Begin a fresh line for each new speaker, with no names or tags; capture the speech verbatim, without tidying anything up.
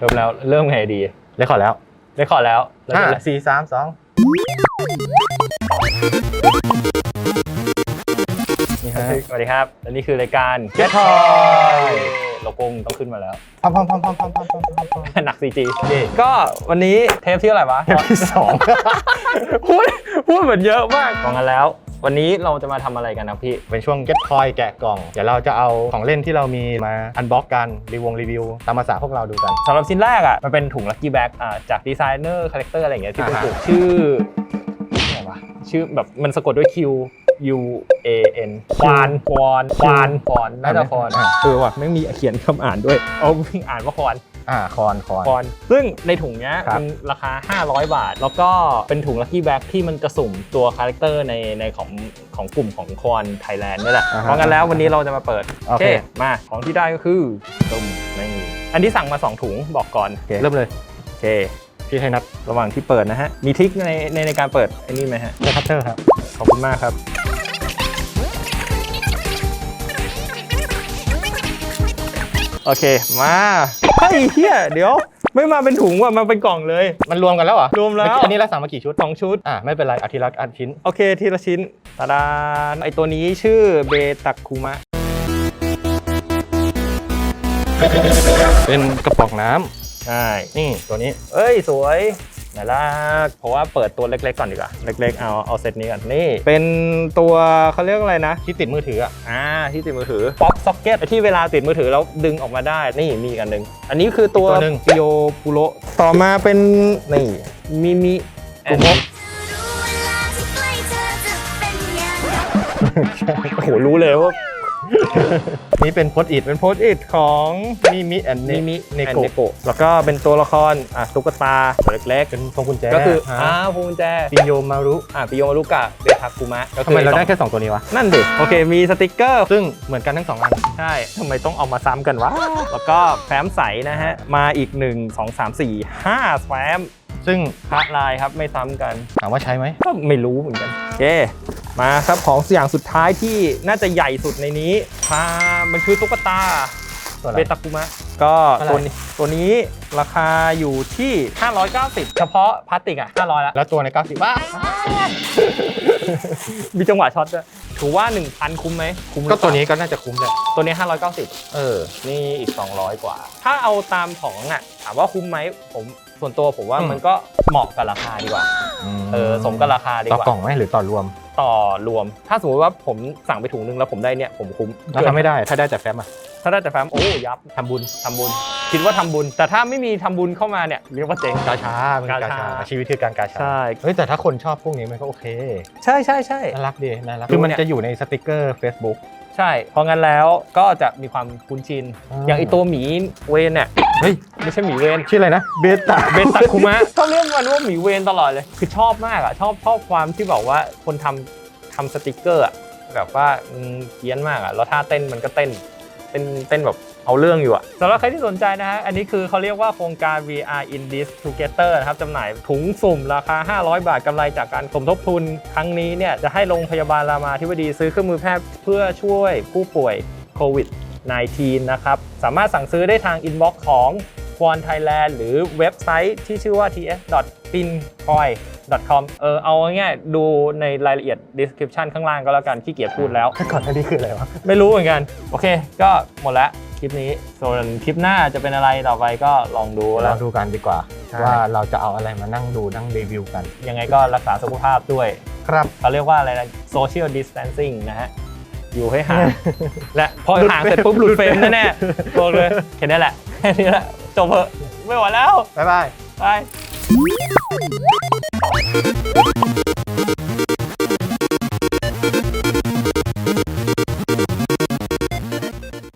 เริ่มแล้วเริ่มไงดี
ได้ขอแล้ว
ได้ขอแล้ว
ห้าสี่สามสองนี่ฮะ
สวัสดีครับและนี่คือรายการ Get Toy โลโก้ต้องขึ้นมาแล้ว
พอมพอมพอมพอมพอมพอมพอมพอม
หนัก ซี จี ก็วันนี้เทปที่อะไรวะ
เทปที่สอง
พูดพูดเหมือนเยอะมากบอกกันแล้ววันนี้เราจะมาทำอะไรกันนะพี่
เป็นช่วง Get Toy แกะกล่องเดี๋ยวเราจะเอาของเล่นที่เรามีมาอันบ็อกกันรีวิวรีวิวตามภาษาพวกเราดูกัน
สำหรับชิ้นแรกอ่ะมันเป็นถุง Lucky Bag อ่าจากดีไซเนอร์คาแรคเตอร์อะไรอย่างเงี้ยที่เป็นถุงชื่ออะไรวะชื่อแบบมันสะกดด้วย Q U A N ควานควานควานควานน่าจะควานเออว่ะไม่มีเขียนคำอ่านด้วยเอาอ่านว่าควาน
อ่าคอนคอน
คอนซึ่งในถุงเนี้ยมันราคาห้าร้อยบาทแล้วก็เป็นถุง Lucky Bag ที่มันจะสุ่มตัวคาแรคเตอร์ในในของของกลุ่มของคอนไทยแลนด์นี่แหละเพราะงั้นแล้ววันนี้เราจะมาเปิดโอเคมาของที่ได้ก็คือตุ่มนี่อันที่สั่งมาสองถุงบอกก่อน
เริ่มเลย
โอเค
พี่ให้นับ
ระหว่างที่เปิดนะฮะมีทริคในในในการเปิดไอ้นี่ไหมฮะ
ใช้คัตเตอร์ครับ
ขอบคุณมากครับโอเคมาเฮ้ยเฮียเดี๋ยวไม่มาเป็นถุงว่ะมาเป็นกล่องเลย
มันรวมกันแล้วเหรอ
รวมแล้ว
อันนี้เราสั่งมากี่ชุด
สองชุด
อ่ะไม่เป็นไรเอาทีละอันชิ้น
โอเคทีละชิ้นตาดาไอตัวนี้ชื่อเบตักคุมะ
เป็นกระป๋องน้
ำใช่
นี่ตัวนี้
เอ้ยสวยน่ารักเพราะว่าเปิดตัวเล็กๆก่อนดีกว่าเล็กๆเอาเอาเซตนี้ก่อนนี่เป็นตัวเขาเรียกอะไรนะ
ที่ติดมือถืออ่ะ
อ่าที่ติดมือถือป๊อปซ็อกเก็ตที่เวลาติดมือถือแล้วดึงออกมาได้นี่มีกันหนึ่งอันนี้คือตัวปิโยปุโรต่อมาเป็นนี่มิมิกุโมะโอ้โหรู้เลยว่า
นี่เป็นโพสต์อิท
เป็นโพสต์อิทของ
มิมิแอน
มิมิ
เนโกะ
แล้วก็เป็นตัวละครอ่ะตุ๊กตาตัวเล็กๆ
เป็นพวงกุญแจ
ก็คืออ่าพวงกุญแจ
ปิโยมารุ
อ่ะปิโยมารุกะเบทาคุมะ
ทำไมเราได้แค่สองตัวนี้วะ
นั่นดิโอเคมีสติกเกอร์
ซึ่งเหมือนกันทั้งสองอัน
ใช่ทำไมต้องเอามาซ้ำกันวะแล้วก็แฟ้มใสนะฮะมาอีกหนึ่ง สอง สาม สี่ ห้าแฟ้ม
ซึ่ง
พระลายครับไม่ซ้ำกัน
ถามว่าใช้ไหม
ก็ไม่รู้เหมือนกันโอเคมาครับของอย่างสุดท้ายที่น่าจะใหญ่สุดในนี้พามันคือตุ๊กตาเบตาคุมะก็ตัวนี้ตัวนี้ราคาอยู่ที่ห้าร้อยเก้าสิบเฉพาะพลาสติกอ่ะห้าร้อยแล้ว
แล้วตัวในเก้าสิบบ้า
มีจังหวะช็อตด้วยถือว่า หนึ่งพัน คุ้มไหมคุ้ม
ก็ตัวนี้ก็น่าจะคุ้มเลย
ตัวนี้ห้าร้อยเก้าสิบ
เออ
นี่อีกสองร้อยกว่าถ้าเอาตามของอ่ะถามว่าคุ้มไหมผมส่วนตัวผมว่ามันก็เหมาะกับราคาดีกว่าเออสมกับราคาดีกว่า
ต่อกล่องไหมหรือต่อรวม
ต่อรวมถ้าสมมติว่าผมสั่งไปถุงนึงแล้วผมได้เนี่ยผมคุ้ม
แล้วถ้าไม่ได้ถ้าได้แต่แฟ้มอ่ะ
ถ้าได้แต่แฟ้มโอ้ยับทำบุญทำบุญคิดว่าทำบุญแต่ถ้าไม่มีทำบุญเข้ามาเนี่ยเรียกว่าเจ๊ง
กาชาเป็นกาชาชีวิตคือการกาชา
ใช่
เฮ้ยแต่ถ้าคนชอบพวกนี้มันก็โอเค
ใช่ใช่ใช่
น่ารักดีน่ารักคือมันจะอยู่ในสติกเกอร์ Facebook
ใช่เพราะงั้นแล้วก็จะมีความคุ้นชินอย่างไอตัวหมีเวนเนี่ย
เฮ้ย
ไม่ใช่หมีเวน
ชื่ออะไรนะเบตา
เบตาคุมะชอบเรียกมันว่าหมีเวนตลอดเลยคือชอบมากอ่ะชอบชอบความที่บอกว่าคนทำทำสติกเกอร์อ่ะแบบว่าเพี้ยนมากอ่ะแล้วท่าเต้นมันก็เต้นเต้นเต้นแบบเอาเรื่องอยู่อะสำหรับใครที่สนใจนะฮะอันนี้คือเขาเรียกว่าโครงการ วี อาร์ in this together นะครับจำหน่ายถุงสุ่มราคาห้าร้อยบาทกำไรจากการสมทบทุนครั้งนี้เนี่ยจะให้โรงพยาบาลรามาธิบดีซื้อเครื่องมือแพทย์เพื่อช่วยผู้ป่วยโควิด สิบเก้า นะครับสามารถสั่งซื้อได้ทางอินบ็อกซ์ของ ควอน ไทยแลนด์ หรือเว็บไซต์ที่ชื่อว่า ที เอส ดอท ปินทอย ดอท คอม เออเอาง่ายๆดูในรายละเอียด description ข้างล่างก็แล้วกันขี้เกียจพูดแล้ว
ก่อนหน้านี้คืออะไรวะ
ไม่รู้เหมือนกันโอเคก็หมดแล้วคลิปนี้ส่วนคลิปหน้าจะเป็นอะไรต่อไปก็ลองดู
แล้วดูกันดีกว่าว่าเราจะเอาอะไรมานั่งดูนั่งรีวิวกัน
ยังไงก็รักษาสุขภาพด้วย
ครับ
เขาเรียกว่าอะไรนะ social distancing นะฮะอยู่ให้ห่างและพอห่างเสร็จปุ๊บหลุดเฟรมแน่ๆบอกเลยแค่นี้แหละแค่นี้แหละจบเถอะไม่ไหวแล้ว
บ๊ายบาย
บาย